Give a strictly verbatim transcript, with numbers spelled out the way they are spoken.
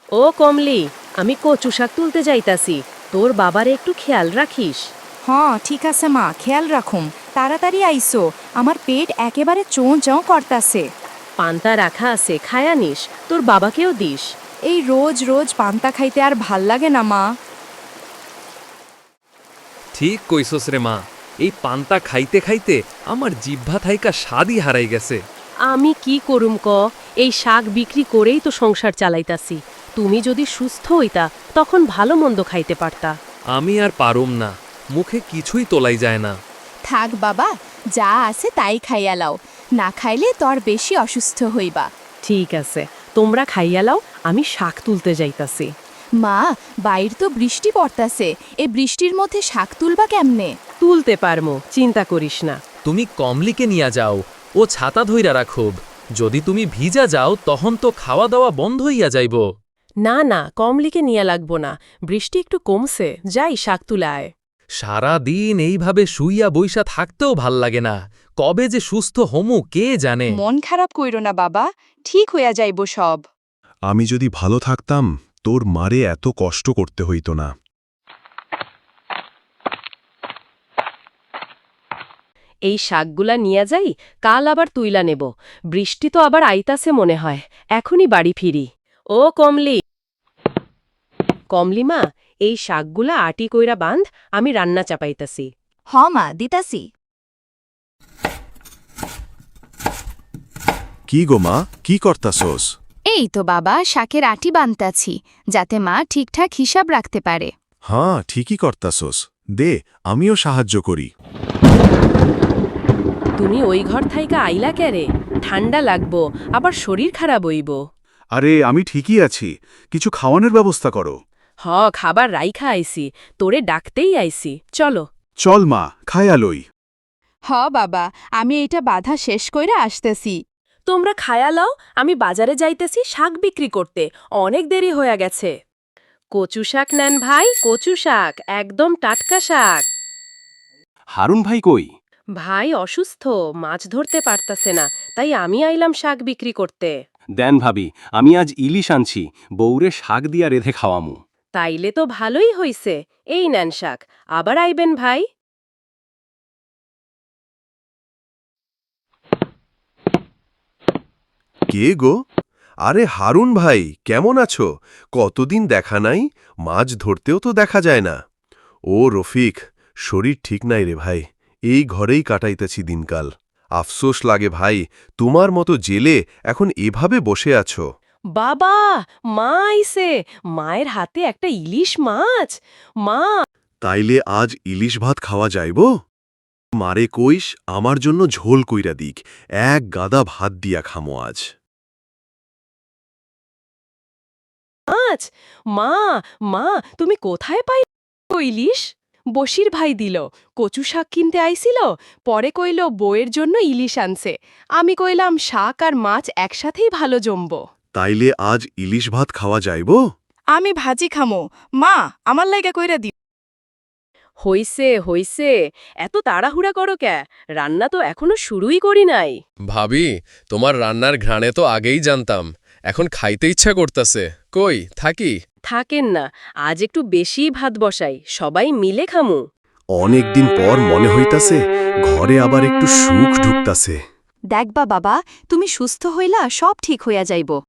ও কমলি, আমি কচু শাক তুলতে যাইতাছি। তোর বাবারে একটু খেয়াল রাখিস। হ্যাঁ ঠিক আছে মা, খেয়াল রাখুম। তাড়াতাড়ি আইসো, আমার পেট একেবারে চোঁ চোঁ করতাছে। পান্তা রাখা আছে, খায়া নিস, তোর বাবাকেও দিস। এই রোজ রোজ পান্তা খাইতে আর ভাল লাগে না মা। ঠিক কইছস রে মা, এই পান্তা খাইতে খাইতে আমার জিহ্বা থাইকা স্বাদই হারাই গেছে। আমি কি করুম ক, এই শাক বিক্রি করেই তো সংসার চালাইতাছি। তুমি যদি সুস্থ হইতা তখন ভালো মন্দ খাইতে পারতা। আমি আর পারুম না, মুখে কিছুই তোলাই যায় না। থাক বাবা, যা আছে তাই খাইয়া লাও, না খাইলে তোর বেশি অসুস্থ হইবা। ঠিক আছে, তোমরা খাইয়া লাও, আমি শাক তুলতে যাইতাছি। মা, বাইর তো বৃষ্টি পড়তাছে, এ বৃষ্টির মধ্যে শাক তুলবা কেমনে? তুলতে পারমো, চিন্তা করিস না। তুমি কমলিকে নিয়া যাও, ও ছাতা ধইরা রাখুব। যদি তুমি ভিজা যাও তখন তো খাওয়া দাওয়া বন্ধ হইয়া যাইব। না না, কমলিকে নিয়ে লাগবো না, বৃষ্টি একটু কমছে, যাই শাক তুলায়। সারা দিন এইভাবে শুইয়া বইসা থাকতেও ভাল লাগে না। কবে যে সুস্থ হমু কে জানে। মন খারাপ কইরো না বাবা, ঠিক হইয়া যাইব সব। আমি যদি ভালো থাকতাম তোর মারে এত কষ্ট করতে হইতো না। এই শাকগুলা নিয়ে যাই, কাল আবার তুইলা নেব। বৃষ্টি তো আবার আইতাছে মনে হয়, এখনই বাড়ি ফিরি। ও কমলি, কমলি মা, এই শাকগুলা আটি কইরা বাঁধ, আমি রান্না চাপাইতাছি। হ মা, দিতাছি। কি গো মা, কি করতাছোস? এই তো বাবা, শাকের আটি বানতাছি, যাতে মা ঠিকঠাক হিসাব রাখতে পারে। হ্যাঁ ঠিকই করতাছোস, দে আমিও সাহায্য করি। তুমি ওই ঘর থাইকা আইলা ক্যারে? ঠান্ডা লাগবো, আবার শরীর খারাপ হইব। আরে আমি ঠিকই আছি, কিছু খাওয়ানোর ব্যবস্থা করো। হ, খাবার রাইখা আইছি, তোরে ডাকতেই আইছি, চলো। চল মা, খায়া লই। হ বাবা, আমি এইটা বাধা শেষ কইরা আসতেছি। তোমরা খায়া লও, আমি বাজারে যাইতেছি শাক বিক্রি করতে, অনেক দেরি হয়ে গেছে। কচু শাক নেন ভাই, কচু শাক, একদম টাটকা শাক। হারুন ভাই কই? ভাই অসুস্থ, মাছ ধরতে পারতাছে না, তাই আমি আইলাম শাক বিক্রি করতে। দেন ভাবি, আমি আজ ইলিশ আনছি, বউরে শাক দিয়া রেধে খাওয়ামু। তাইলে তো ভালোই হইছে, এই নেন শাক, আবার আইবেন ভাই। কে গো? আরে হারুন ভাই, কেমন আছো? কতদিন দেখা নাই, মাছ ধরতেও তো দেখা যায় না। ও রফিক, শরীর ঠিক নাই রে ভাই, এই ঘরেই কাটাইতেছি দিনকাল। আফসোস লাগে ভাই, তোমার মতো জেলে এখন এভাবে বসে আছো। বাবা, মা আইছে, মায়ের হাতে একটা ইলিশ মাছ। মা, তাইলে আজ ইলিশ ভাত খাওয়া যাইব? মারে কইস আমার জন্য ঝোল কইরা দিক, এক গাদা ভাত দিয়া খামো আজ। মাছ, মা, মা, তুমি কোথায় পাই ইলিশ? বশির ভাই দিল, কচু শাক কিনতে আইছিল, পরে কইল বউয়ের জন্য ইলিশ আনছে। আমি কইলাম শাক আর মাছ একসাথেই ভালো জমব। তাইলে আজ ইলিশ ভাত খাওয়া যাইব? আমি ভাজি খামো, মা আমার লাইগা কইরা দি। হইছে হইছে, এত তাড়াহুড়া করো ক্যা? রান্না তো এখনো শুরুই করি নাই। ভাবি, তোমার রান্নার ঘ্রাণে তো আগেই জানতাম, এখন খাইতে ইচ্ছা করতাছে। কই থাকি? থাকেন না, আজ একটু বেশি ভাত বসাই, সবাই মিলে খামু। অনেকদিন পর মনে হইতাছে ঘরে আবার একটু সুখ ঢুকতাছে। দেখবা বাবা, তুমি সুস্থ হইলা সব ঠিক হইয়া যাইব।